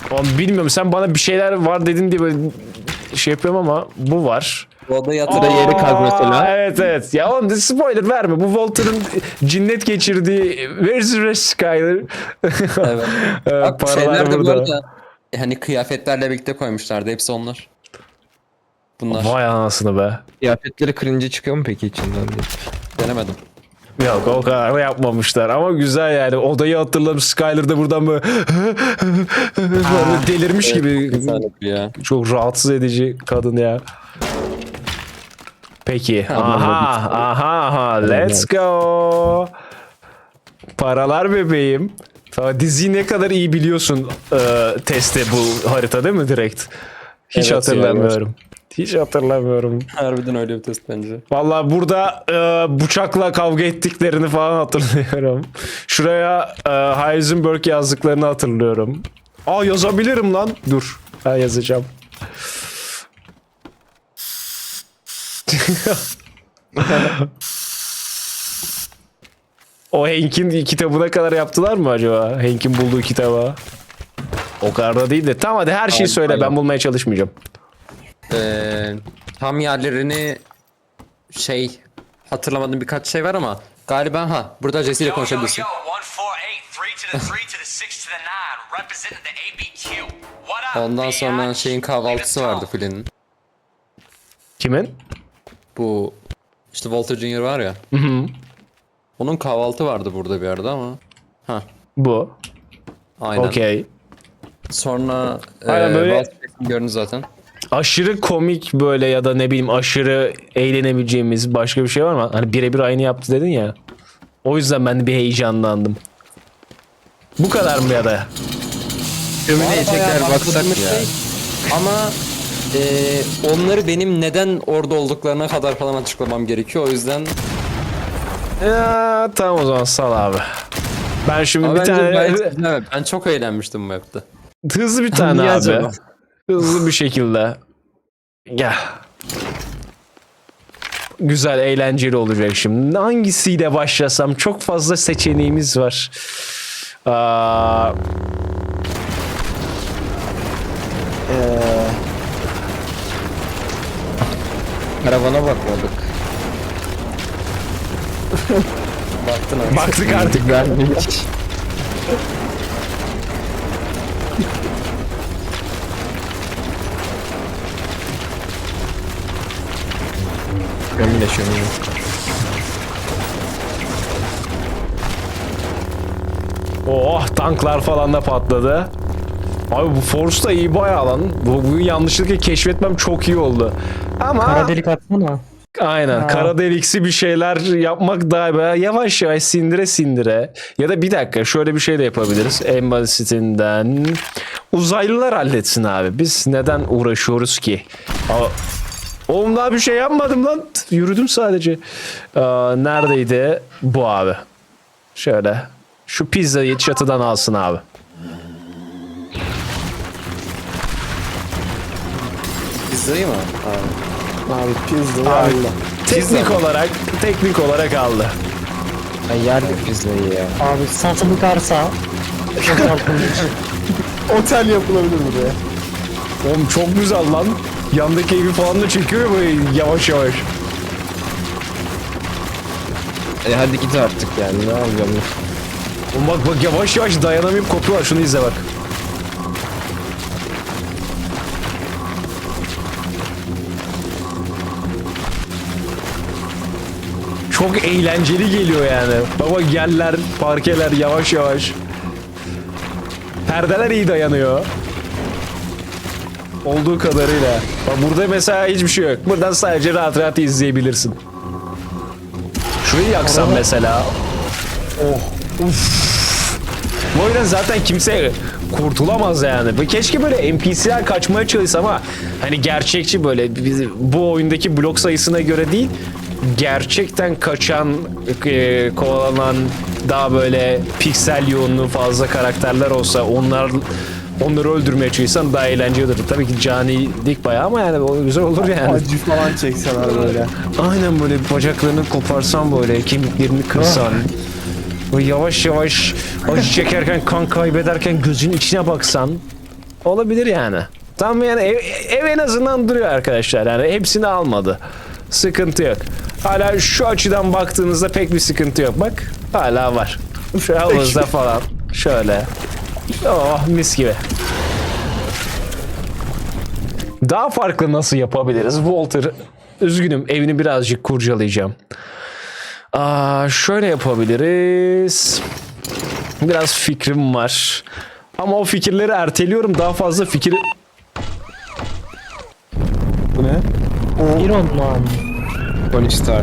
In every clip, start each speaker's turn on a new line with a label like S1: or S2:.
S1: Oğlum bilmiyorum, sen bana bir şeyler var dedin diye böyle şey yapıyorum ama bu var.
S2: O da yatır.
S3: Burada yeri kaz mesela.
S1: Evet evet. Ya oğlum spoiler verme. Bu Walter'ın cinnet geçirdiği Where's the rest Skyler?
S2: Evet. Bak
S1: Paralar
S2: şeyler de bu
S1: burada.
S2: arada hani kıyafetlerle birlikte koymuşlardı. Hepsi onlar. Bunlar.
S1: Vay anasını be.
S3: Kıyafetleri kırınca çıkıyor mu peki içinden diye.
S2: Denemedim.
S1: Yok o kadar da yapmamışlar ama güzel yani. Odayı hatırladım, Skyler da buradan böyle, böyle delirmiş gibi.
S2: Güzel ya.
S1: Çok rahatsız edici kadın ya. Peki. Aha. Let's go. Paralar bebeğim. Tamam, diziyi ne kadar iyi biliyorsun testte bu harita değil mi direkt? Hiç
S2: Evet,
S1: hatırlamıyorum. Hiç hatırlamıyorum.
S2: Harbiden öyle bir test bence.
S1: Vallahi burada bıçakla kavga ettiklerini falan hatırlıyorum. Şuraya Heisenberg yazdıklarını hatırlıyorum. Aa yazabilirim lan. Dur. Ben yazacağım. O Hank'in kitabına kadar yaptılar mı acaba? Hank'in bulduğu kitaba. O kadar da değil de. Tamam hadi her şeyi söyle. Ben bulmaya çalışmayacağım.
S2: Tam yerlerini hatırlamadığım birkaç şey var ama galiba burada Jesse ile konuşabilirsin.
S4: 148, 3 to the 3 to the 6 to the 9, representing the ABQ. What up,
S2: Ondan sonra
S4: bitch?
S2: şeyin kahvaltısı vardı Flynn'in.
S1: Kimin?
S2: Bu işte Walter Jr. var ya. Onun kahvaltı vardı burada bir arada ama. Ha,
S1: Bu.
S2: aynen.
S1: Okey.
S2: Sonra
S1: Aynen böyle-
S2: Walter'ı gördünüz zaten.
S1: Aşırı komik böyle ya da ne bileyim aşırı eğlenebileceğimiz başka bir şey var mı? Hani birebir aynı yaptı dedin ya. O yüzden ben de bir heyecanlandım. Bu kadar mı ya da?
S3: Şömineye tekrar baksak
S2: Bahsettiğimiz
S3: ya.
S2: şey. Ama onları benim neden orada olduklarına kadar falan açıklamam gerekiyor. O yüzden
S1: Ya, tamam o zaman sal abi. Ben şimdi
S2: ama
S1: bir
S2: bence
S1: tane
S2: gayet güzel. Ben çok eğlenmiştim bu map'te.
S1: hızlı bir tane
S3: Niye
S1: abi.
S3: acaba?
S1: Hızlı bir şekilde. Gel. Güzel, eğlenceli olacak şimdi. Hangisiyle başlasam? Çok fazla seçeneğimiz var. Aa,
S3: Karavana bakmadık.
S2: Baktın abi.
S1: baktık artık.
S3: Vermiş. Şömine.
S1: Oh, tanklar falan da patladı. Abi bu Force da iyi bayağı lan. Bu yanlışlıkla keşfetmem çok iyi oldu. Ama
S5: Kara delik atsana.
S1: aynen kara deliksi bir şeyler yapmak daha böyle yavaş yavaş sindire sindire. Ya da bir dakika şöyle bir şey de yapabiliriz. En basitinden uzaylılar halletsin abi. Biz neden uğraşıyoruz ki? Oğlum daha bir şey yapmadım lan. Yürüdüm sadece. Neredeydi? Bu abi. Şöyle. Şu pizzayı çatıdan alsın abi.
S2: Pizzayı mı?
S3: Abi pizza
S1: Abi, teknik olarak aldı.
S3: Ben yerdim pizzayı ya.
S5: Abi satılık arsa.
S3: Otel yapılabilir buraya.
S1: Oğlum çok güzel lan. Yandaki evi falan da çekiyor ya böyle yavaş yavaş.
S3: Hadi git artık yani ne yapacağım?
S1: Oğlum bak yavaş yavaş dayanamayıp kopuyorlar. Şunu izle bak. Çok eğlenceli geliyor yani. Baba yerler, parkeler yavaş yavaş. Perdeler iyi dayanıyor. Olduğu kadarıyla. Bak burada mesela hiçbir şey yok. Buradan sadece rahat rahat izleyebilirsin. Şurayı yaksam mesela. Oh. Uf. Bu oyundan zaten kimse kurtulamaz yani. Ve keşke böyle NPC'ler kaçmaya çalışsa ama hani gerçekçi böyle bu oyundaki blok sayısına göre değil, gerçekten kaçan, kovalanan daha böyle piksel yoğunluğu fazla karakterler olsa onları öldürmeye çalışsan daha eğlenceli olur. Tabii ki canilik bayağı ama yani o güzel olur yani.
S3: Acı falan çekseler böyle.
S1: Aynen böyle bacaklarını koparsan böyle kemiklerini kırsan. Böyle yavaş yavaş acı çekerken kan kaybederken gözünün içine baksan. Olabilir yani. Tam yani ev en azından duruyor arkadaşlar. Yani hepsini almadı. Sıkıntı yok. Hala şu açıdan baktığınızda pek bir sıkıntı yok. Bak hala var. Şu havuzda falan. Şöyle. Oh mis gibi. Daha farklı nasıl yapabiliriz? Walter, üzgünüm evini birazcık kurcalayacağım. Şöyle yapabiliriz. Biraz fikrim var. Ama o fikirleri erteliyorum. Daha fazla fikir...
S3: Bu ne?
S5: Iron Man.
S3: Tony Stark.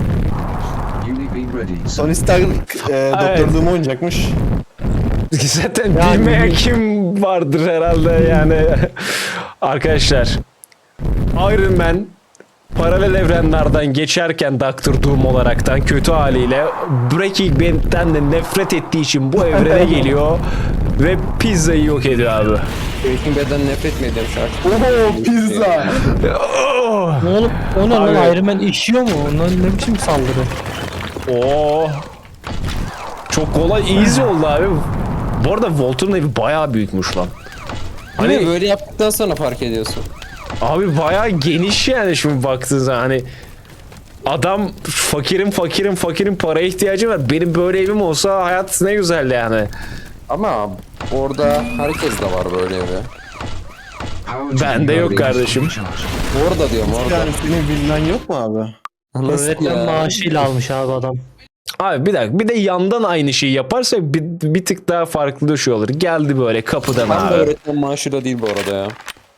S3: Tony Stark doktorluğumu oynayacakmış.
S1: Zaten
S5: Yani-
S1: bilmeyen kim vardır herhalde yani. Arkadaşlar, Iron Man paralel evrenlerden geçerken Doctor Doom olaraktan kötü haliyle Breaking Bad'den de nefret ettiği için bu evrene geliyor ve pizzayı yok ediyor abi.
S2: Breaking Bad'den nefret mi ediyorum şarkı?
S3: Oho pizza.
S1: Oh!
S5: Ne olup o ne lan
S1: Abi.
S5: Iron Man işiyor mu? Ondan ne biçim saldırı?
S1: Oo. Çok kolay, easy oldu abi. Bu arada Walter'ın evi bayağı büyükmüş lan.
S2: Hani böyle yaptıktan sonra fark ediyorsun.
S1: Abi bayağı geniş yani şimdi baktığın zaman hani adam fakirim paraya ihtiyacım var. Benim böyle evim olsa hayat ne güzel yani.
S2: Ama orada herkes de var böyle evi.
S1: Bende yok kardeşim.
S2: Orada diyorum orada.
S3: Yani senin villan yok mu abi?
S2: Nasıl
S5: Öğretmen
S2: ya?
S5: maaşıyla almış abi adam.
S1: Abi bir dakika bir de yandan aynı şeyi yaparsak bir tık daha farklı şey olur. Geldi böyle kapıdan
S2: Ben de
S1: abi.
S2: öğretmen maaşıyla değil bu arada ya.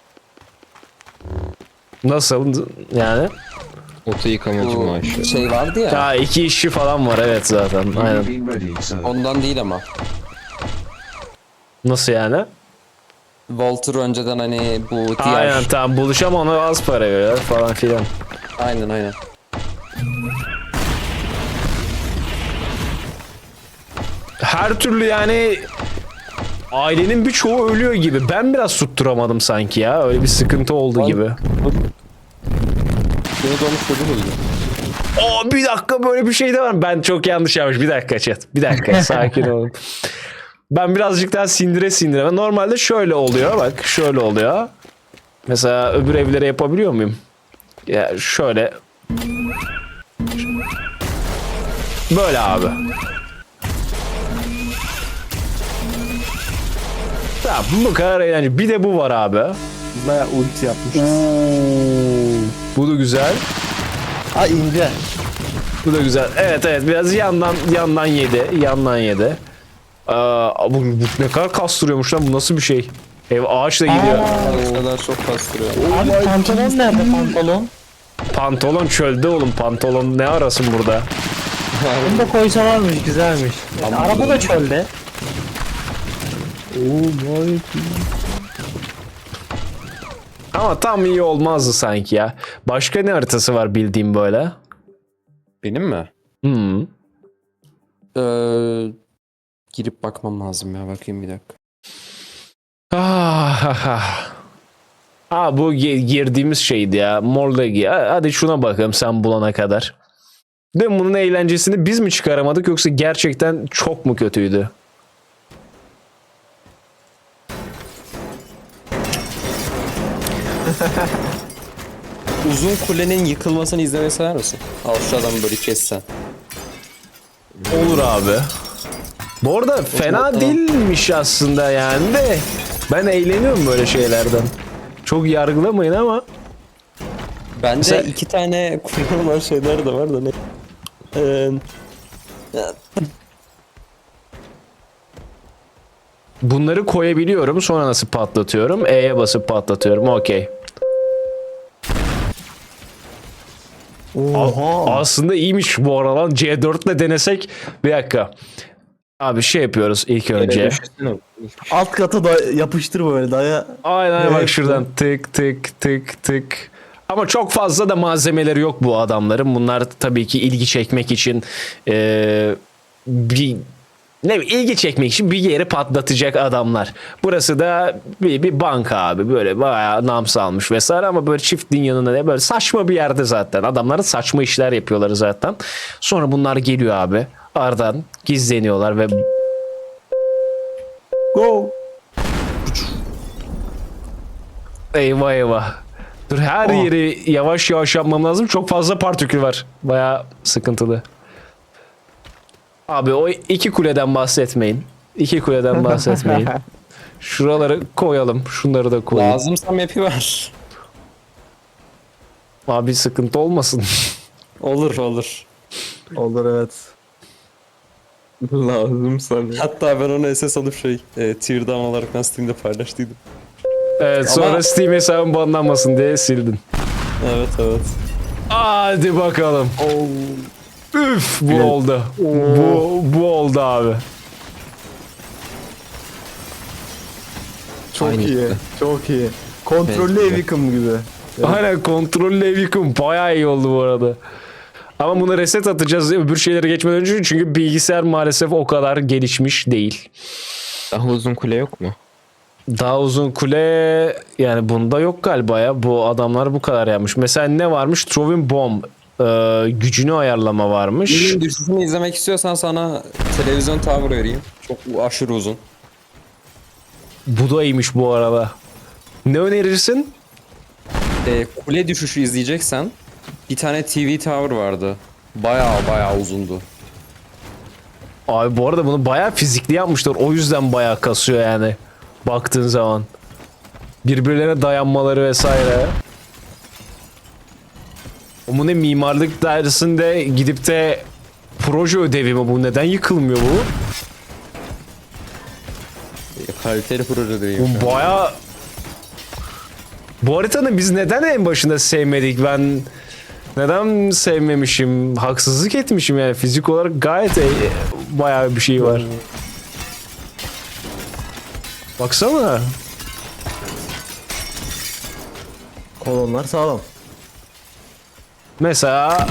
S1: Nasıl yani?
S3: Oto yıkamacı
S2: Bu
S3: maaşı.
S2: şey vardı ya.
S1: Ya 2 işçi falan var evet zaten. Aynen.
S2: Ondan değil ama.
S1: Nasıl yani?
S2: Walter önceden hani bu diğer...
S1: Aynen tamam buluşam ona az para veriyor falan filan.
S2: Aynen.
S1: Her türlü yani ailenin birçoğu ölüyor gibi. Ben biraz tutturamadım sanki ya. Öyle bir sıkıntı oldu gibi.
S2: Beni dolmuş çocuk öldü.
S1: Oo bir dakika böyle bir şey de var. Ben çok yanlış yapmış. Bir dakika chat. Bir dakika sakin olun. Ben birazcık daha sindire. Normalde şöyle oluyor. Bak şöyle oluyor. Mesela öbür evlere yapabiliyor muyum? Ya şöyle. Böyle abi. Tamam bu kadar eğlenceli. Bir de bu var abi.
S3: Baya ulti yapmış.
S1: Bu da güzel.
S3: Ha ince.
S1: Bu da güzel. Evet biraz yandan yedi. Bu ne kadar kastırıyormuş lan bu nasıl bir şey? Ev ağaçla gidiyor.
S2: O kadar çok kastırıyor.
S5: Abi pantolon nerede pantolon?
S1: Pantolon çölde oğlum pantolon ne arasın burada?
S5: Bunu da koysalarmış güzelmiş. Yani araba da çölde.
S1: Ama tam iyi olmazdı sanki ya. Başka ne haritası var bildiğim böyle?
S2: Benim mi?
S1: Hmm.
S2: Girip bakmam lazım ya. Bakayım bir dakika.
S1: Bu girdiğimiz şeydi ya. Morlegi. Hadi şuna bakalım sen bulana kadar. Değil mi? Bunun eğlencesini biz mi çıkaramadık yoksa gerçekten çok mu kötüydü?
S2: Uzun kulenin yıkılmasını izlemeyi sever misin? Al şu adamı böyle kessen.
S1: Olur abi. Bu arada fena değilmiş aslında yani de. Ben eğleniyorum böyle şeylerden. Çok yargılamayın ama.
S2: Bende
S1: Mesela-
S2: 2 tane kullanılan şeyler de var da ne?
S1: Bunları koyabiliyorum. Sonra nasıl patlatıyorum? E'ye basıp patlatıyorum. Okey. Aslında iyiymiş bu aralar. C4 ile denesek. Bir dakika. Abi şey yapıyoruz ilk önce.
S3: Alt kata da yapıştır böyle daya.
S1: Aynen bak
S3: Evet.
S1: şuradan tık. Ama çok fazla da malzemeleri yok bu adamların. Bunlar tabii ki ilgi çekmek için ilgi çekmek için bir yeri patlatacak adamlar. Burası da bir banka abi. Böyle bayağı nam salmış vesaire ama böyle çiftliğin yanında ne böyle saçma bir yerde zaten. Adamların saçma işler yapıyorlar zaten. Sonra bunlar geliyor abi. Aradan gizleniyorlar ve
S3: Go.
S1: Eyvah eyvah. Dur her yeri yavaş yavaş yapmam lazım. Çok fazla partikül var. Baya sıkıntılı. Abi o iki kuleden bahsetmeyin. İki kuleden bahsetmeyin. Şuraları koyalım. Şunları da koyalım.
S2: Lazımsa map'i var.
S1: Abi sıkıntı olmasın.
S2: Olur olur.
S3: Olur evet. Lazım sana.
S2: Hatta ben onu SS alıp tier down olarak ben Steam'de paylaştıydım.
S1: Evet sonra
S2: Ama-
S1: Steam hesabım banlanmasın diye sildin.
S2: Evet evet.
S1: Hadi bakalım. Üf bu
S3: Evet.
S1: oldu. Bu oldu abi.
S3: Çok
S2: Aynı
S3: iyi.
S2: işte.
S3: Çok iyi. Kontrollü
S2: Evet.
S3: ev yıkımı gibi.
S1: Aynen kontrollü ev yıkım bayağı iyi oldu bu arada. Ama buna reset atacağız öbür şeylere geçmeden önce çünkü bilgisayar maalesef o kadar gelişmiş değil.
S6: Daha uzun kule yok mu?
S1: Daha uzun kule yani bunda yok galiba ya. Bu adamlar bu kadar yapmış. Mesela ne varmış? Throwing Bomb. Gücünü ayarlama varmış.
S2: Bilin düşüşünü izlemek istiyorsan sana televizyon tower vereyim. Çok aşırı uzun.
S1: Bu da iyiymiş bu arada. Ne önerirsin?
S2: Kule düşüşü izleyeceksen bir tane TV tower vardı. Bayağı uzundu.
S1: Abi bu arada bunu bayağı fizikli yapmışlar. O yüzden bayağı kasıyor yani. Baktığın zaman. Birbirlerine dayanmaları vesaire. Bu ne mimarlık dersinde gidip de proje ödevi mi bu? Neden yıkılmıyor bu?
S2: Kaliteli proje diyeyim.
S1: Bu bayağı... Bu haritanı biz neden en başında sevmedik? Ben neden sevmemişim? Haksızlık etmişim yani. Fizik olarak gayet bayağı bir şey var. Baksana.
S3: Kolonlar sağlam.
S1: Mesela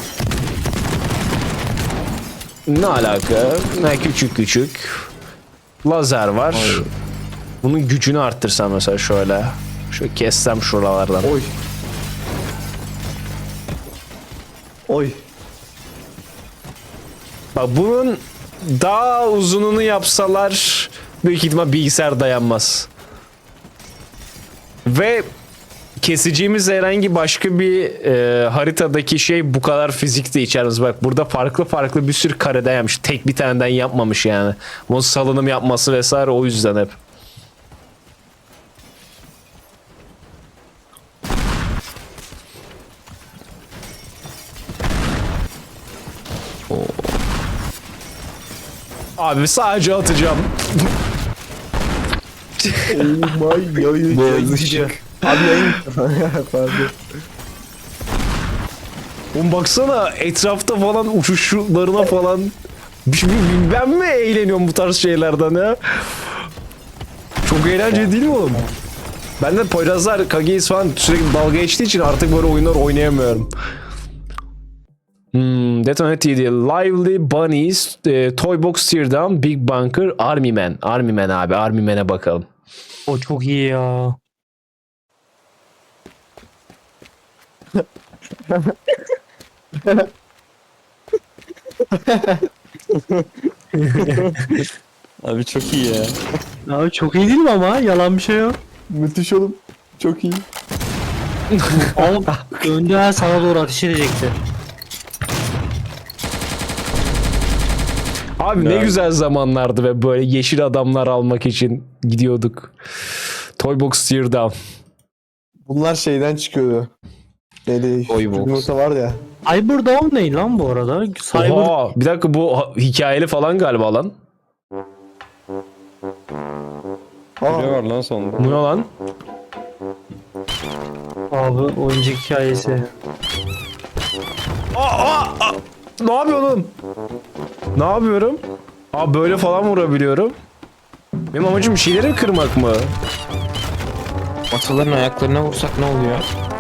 S1: ne alaka? Ne küçük lazer var. Bunun gücünü arttırsam mesela şöyle. Şöyle kessem şuralardan.
S3: Oy. Oy.
S1: Bak bunun daha uzununu yapsalar büyük ihtimal bilgisayar dayanmaz. Ve keseceğimiz herhangi başka bir haritadaki şey bu kadar fizik de içermez. Bak burada farklı bir sürü kareden yapmış. Tek bir taneden yapmamış yani. Bunun salınım yapması vesaire o yüzden hep. Abi sadece atacağım.
S3: My yayın. Abi yayın. Pardon.
S1: Oğlum baksana etrafta falan uçuşlarına falan. Ben mi eğleniyorum bu tarz şeylerden ya? Çok eğlenceli değil mi oğlum? Ben de Poyrazlar, Kage'yiz falan sürekli dalga geçtiği için artık böyle oyunlar oynayamıyorum. Detonate TD, Lively Bunnies, Toy Box Teardown, Big Bunker, Army Man. Army Man abi, Army Man'e bakalım.
S5: O çok iyi ya.
S2: Abi çok iyi ya.
S5: Abi çok iyi değil mi ama? Yalan bir şey yok.
S3: Müthiş oğlum. Çok iyi.
S5: Ama önde sana doğru ateş edecekti.
S1: Abi ne güzel zamanlardı ve böyle yeşil adamlar almak için gidiyorduk. Toy Box Teardown.
S3: Bunlar şeyden çıkıyordu. Neydi?
S6: Oybox.
S3: Yumurta var ya.
S5: Cyber Dawn ne lan bu arada? Cyber
S1: Oha, bir dakika bu hikayeli falan galiba lan.
S2: Ne var lan sonunda?
S1: Bu ne lan?
S5: abi oyuncak hikayesi.
S1: Ne yapıyorsun? Ne yapıyorum? Aa böyle falan vurabiliyorum. Benim amacım bir şeyleri mi kırmak mı?
S6: Ataların ayaklarına vursak ne oluyor?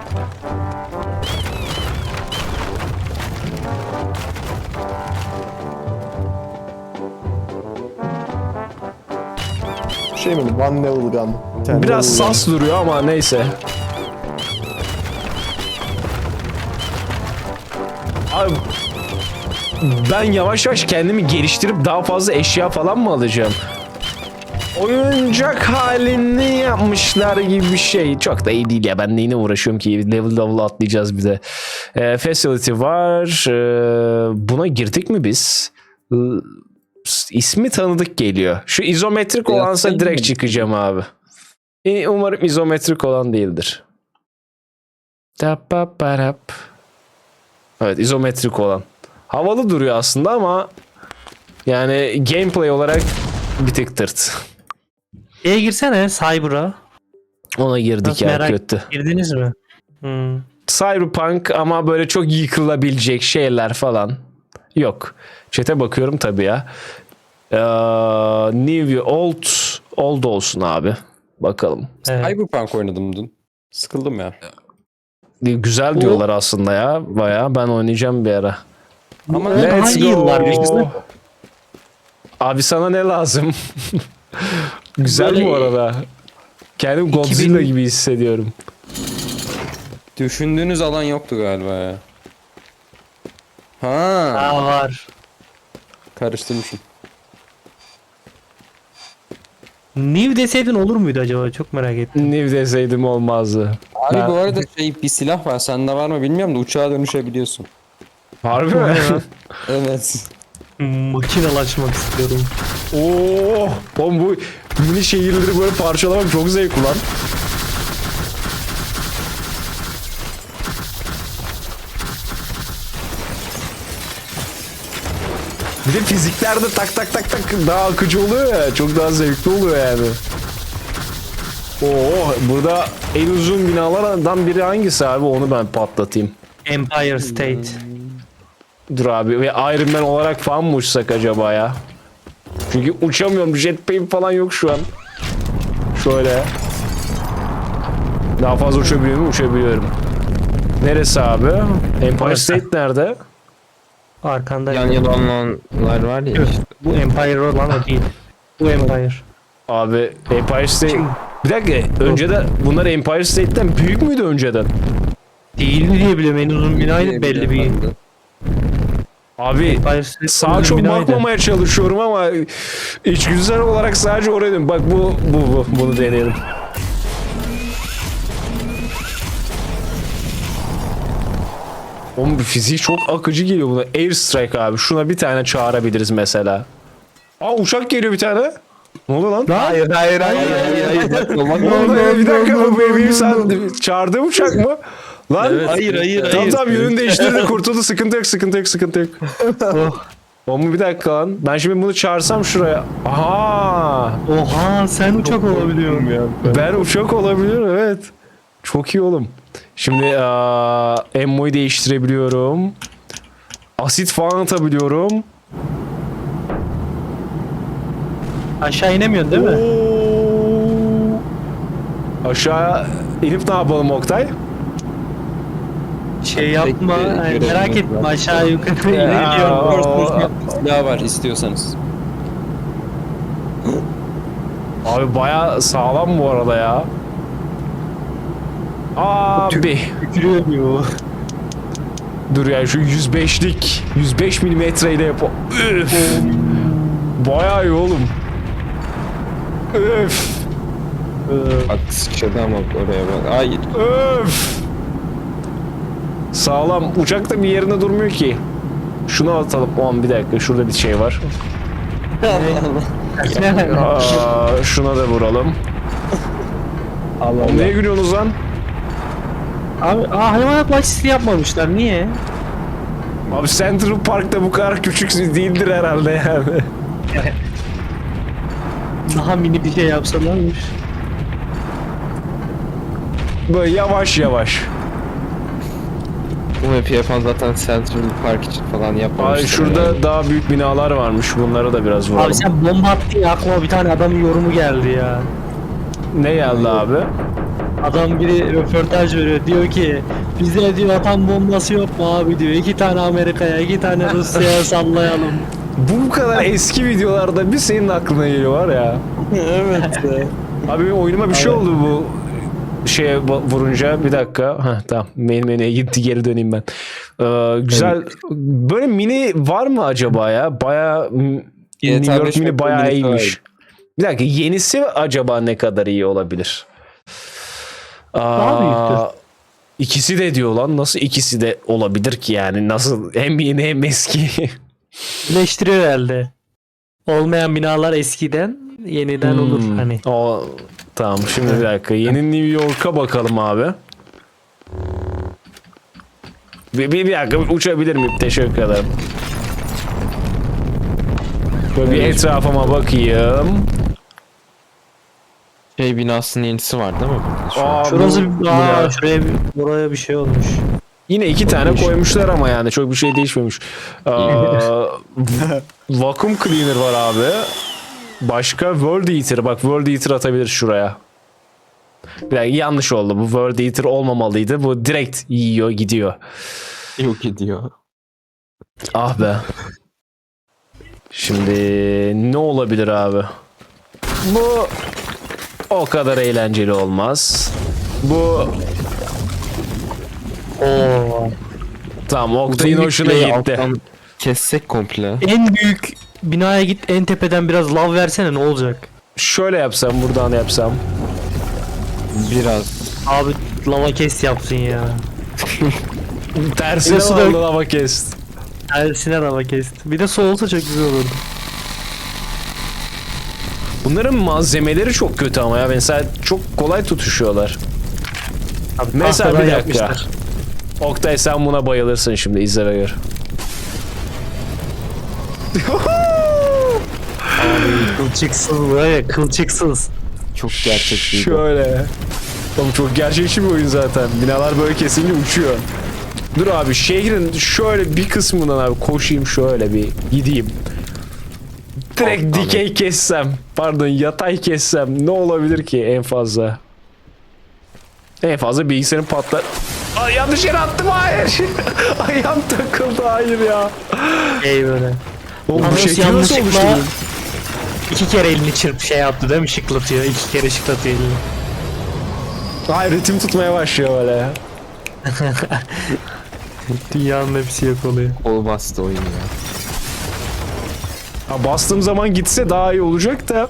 S3: Şey mi? One level gun.
S1: Biraz sas duruyor ama neyse. Abi ben yavaş yavaş kendimi geliştirip daha fazla eşya falan mı alacağım? oyuncak halini yapmışlar gibi bir şey. Çok da iyi değil ya. Ben neyine uğraşıyorum ki? Level atlayacağız bir de. Facility var. Buna girdik mi biz? İsmi tanıdık geliyor. Şu izometrik olansa direkt çıkacağım abi. Umarım izometrik olan değildir. Evet, izometrik olan. Havalı duruyor aslında ama yani gameplay olarak bir tık tırt.
S5: Şeye girsene Cyber'a.
S1: Ona girdik
S5: Nasıl
S1: ya,
S5: merak-
S1: kötü.
S5: Girdiniz mi? Hmm.
S1: Cyberpunk ama böyle çok yıkılabilecek şeyler falan yok. Chat'e bakıyorum tabii ya. New old olsun abi. Bakalım.
S5: Evet.
S2: Cyberpunk oynadım dün. Sıkıldım ya.
S1: Güzel diyorlar aslında ya. Bayağı ben oynayacağım bir ara.
S2: Ama
S5: O daha iyi yıllar geçti.
S1: Abi sana ne lazım? Güzel
S5: Böyle-
S1: bu arada. Kendim Godzilla gibi hissediyorum.
S2: düşündüğünüz alan yoktu galiba ya. Ha,
S5: Aa var.
S2: karıştırmışım.
S5: New deseydin olur muydu acaba? Çok merak ettim.
S1: New deseydim olmazdı.
S2: Abi
S1: Ben-
S2: bu arada bir silah var. Sende var mı bilmiyorum da uçağa dönüşebiliyorsun.
S1: Harbi mi?
S2: Evet.
S5: Makinalaşmak istiyorum.
S1: Oo, oğlum bu mini şehirleri böyle parçalamak çok zevkli lan. Bir de fizikler de tak tak tak tak daha akıcı oluyor ya. Çok daha zevkli oluyor yani. Oo, burada en uzun binalardan biri hangisi abi? Onu ben patlatayım.
S5: Empire State.
S1: Dur abi, ve Iron Man olarak falan mı uçsak acaba ya? Çünkü uçamıyorum. Jetpack'im falan yok şu an. Şöyle. Daha fazla uçabiliyor muyum? Uçabiliyorum. Neresi abi? Empire
S5: Orası.
S1: State nerede?
S5: Arkanda.
S6: Yan yana olanlar var ya işte.
S5: Bu Empire olan o değil. Bu Empire.
S1: Abi Empire State... Bir dakika. Önceden bunlar Empire State'ten büyük müydü önceden?
S5: Değil diye biliyorum. En uzun binaydı belli bir.
S1: Abi
S5: Empire State
S1: sağa
S5: uzun
S1: çok
S5: binaydı.
S1: bakmamaya çalışıyorum ama içgüdüsel olarak sadece oraya dön. Bak bunu deneyelim. Oğlum fiziği çok akıcı geliyor buna. Airstrike abi. Şuna bir tane çağırabiliriz mesela. Aa, uçak geliyor bir tane. Ne oldu lan?
S3: Hayır.
S1: Ne oldu? Bir dakika, bu benim sen çağırdığım uçak mı? Lan
S3: Hayır.
S1: tamam yönünü değiştirdi, kurtuldu, sıkıntı yok.
S5: Oh.
S1: Oğlum bir dakika lan. Ben şimdi bunu çağırsam şuraya. Aha!
S5: Oha sen uçak olabiliyorsun.
S1: Ben uçak olabiliyorum, evet. Çok iyi oğlum. Şimdi ammo'yu değiştirebiliyorum. Asit falan atabiliyorum.
S5: Aşağı inemiyorsun değil mi?
S1: Oo. Aşağı inip ne yapalım Oktay?
S5: Şey yapma.
S2: Bekle,
S5: Yani
S2: görelim
S5: merak
S2: yok
S5: etme
S2: ya.
S5: aşağı yukarı
S1: Ya.
S5: inebiliyorum.
S2: Silah var istiyorsanız.
S1: Abi baya sağlam bu arada ya. Abi.
S5: Tükürüyor diyor.
S1: Dur ya, şu 105'lik 105 milimetreyle yap. Üf. Bayağı iyi oğlum. Öf.
S6: Bak sıçradı ama oraya bak. Hayır.
S1: Öf. Sağlam. Uçak da bir yerinde durmuyor ki. Şunu atalım. Oğlum bir dakika, şurada bir şey var. Şuna da vuralım. Oğlum neye gülüyorsunuz lan?
S5: Abi hayvanat bahçesi yapmamışlar. Niye?
S1: Abi Central Park'ta bu kadar küçük değildir herhalde yani.
S5: Daha mini bir şey yapsalarmış.
S1: Böyle yavaş yavaş.
S6: Bu map'i yapan zaten Central Park için falan yapmamışlar.
S1: Ay şurada
S6: yani.
S1: daha büyük binalar varmış. Bunlara da biraz vuralım.
S5: Abi sen bomba attın ya aklıma bir tane adamın yorumu geldi ya.
S1: Ne geldi abi?
S5: Adam biri röportaj veriyor diyor ki bize diyor atom bombası yok mu abi diyor. 2 tane Amerika'ya 2 tane Rusya'ya sallayalım.
S1: Bu kadar eski videolarda bir senin aklına geliyor var ya.
S3: Evet.
S1: Abi benim oyunuma bir şey oldu bu şeye vurunca. Bir dakika. Heh, tamam. Main menüye gitti, geri döneyim ben. Güzel. Böyle mini var mı acaba ya? Baya New York mini bayağı iyiymiş. Bir dakika, yenisi acaba ne kadar iyi olabilir?
S5: Daha büyüktür.
S1: İkisi de diyor lan. Nasıl ikisi de olabilir ki yani? Nasıl hem yeni hem eski?
S5: Birleştiriyor herhalde. Olmayan binalar eskiden, yeniden olur hani.
S1: Tamam, şimdi bir dakika. Yeni New York'a bakalım abi. Bir dakika, uçabilir miyim? Teşekkür ederim. Böyle bir etrafıma bakayım.
S6: Şey binasının yenisi var değil mi burada şu an?
S5: Şurası
S1: bu-
S5: şuraya buraya bir şey olmuş.
S1: Yine 2 tane koymuşlar ama yani çok bir şey değişmemiş. Vacuum Cleaner var abi. Başka World Eater. Bak, World Eater atabilir şuraya. Bir dakika, yanlış oldu. Bu World Eater olmamalıydı. Bu direkt yiyor gidiyor.
S6: Yok ediyor.
S1: Ah be. Şimdi ne olabilir abi? Bu o kadar eğlenceli olmaz. Bu
S5: Oo.
S1: tamam, Oktay'ın hoşuna gitti.
S6: Alttan kessek komple.
S5: En büyük binaya git, en tepeden biraz lav versene, ne olacak?
S1: Şöyle yapsam, buradan yapsam.
S6: Biraz.
S5: Abi lava kes yapsın ya.
S1: Tersine
S5: Burası da-
S1: oldu ama kes.
S5: Tersine lava kesti. Bir de su olsa çok güzel olurdu.
S1: Bunların malzemeleri çok kötü ama ya. Mesela çok kolay tutuşuyorlar.
S5: Abi,
S1: Mesela
S5: tahtadan
S1: bir dakika.
S5: yapmışlar.
S1: Oktay, sen buna bayılırsın şimdi, izle ve gör.
S5: Abi kılçıksız böyle, kılçıksız.
S6: Çok gerçekçiydi.
S1: Şöyle. Oğlum çok gerçekçi bir oyun zaten. Binalar böyle kesince uçuyor. Dur abi, şehrin şöyle bir kısmından abi koşayım, şöyle bir gideyim. Direkt
S6: Alttan
S1: dikey kessem, pardon yatay kessem ne olabilir ki en fazla? En fazla bilgisayarın patlar. Ay, yanlış yere attım, hayır. Ayağım takıldı, hayır ya.
S5: Böyle.
S1: Oğlum bu
S5: Yalnız
S1: şekil nasıl
S5: yanlışlıkla
S1: oluştu?
S5: 2 kere elini çırp şey yaptı değil mi? Şıklatıyor. 2 kere şıklatıyor elini.
S1: Hayır, ritim tutmaya başlıyor böyle ya.
S5: Dünyanın hepsi yok oluyor.
S6: Kol bastı oyun ya.
S1: Ha, bastığım zaman gitse daha iyi olacak da.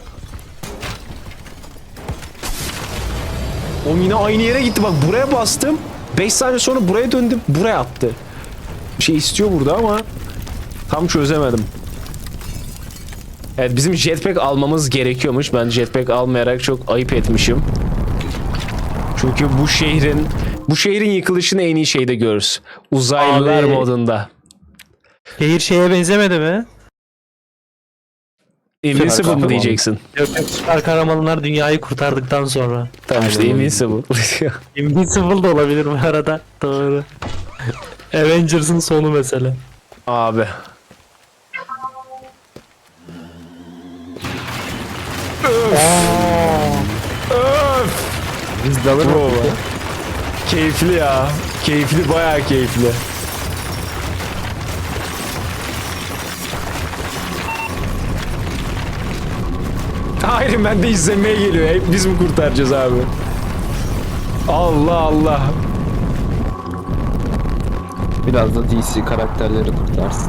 S1: O yine aynı yere gitti, bak buraya bastım. 5 saniye sonra buraya döndüm, buraya attı. Bir şey istiyor burada ama tam çözemedim. Evet, bizim jetpack almamız gerekiyormuş. Ben jetpack almayarak çok ayıp etmişim. Çünkü bu şehrin yıkılışını en iyi şeyde görürüz. Uzaylılar
S5: Abi.
S1: modunda.
S5: Şehir şeye benzemedi mi?
S1: Invincible mı
S6: kahraman.
S1: diyeceksin?
S5: Yok yok, süper kahramanlar dünyayı kurtardıktan sonra.
S1: Tamam işte,
S6: Aynen öyle.
S1: Invincible.
S5: Invincible da olabilir bu arada. Doğru. Avengers'ın sonu mesela.
S1: Abi. Öf.
S6: Biz de alır
S1: Bro.
S6: mı?
S1: Keyifli ya. Keyifli, bayağı keyifli. Hayır, ben de izlemeye geliyor. Hep biz mi kurtaracağız abi? Allah Allah.
S6: Biraz da DC karakterleri kurtarsın.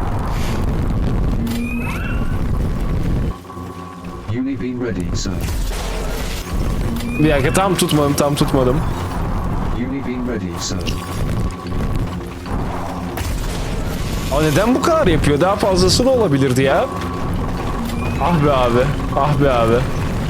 S7: UAV ready, sir.
S1: Bir dakika, tam tutmadım.
S7: UAV ready, sir.
S1: Aa, neden bu kadar yapıyor? Daha fazlası da olabilirdi ya. Ah be abi. Ah be abi.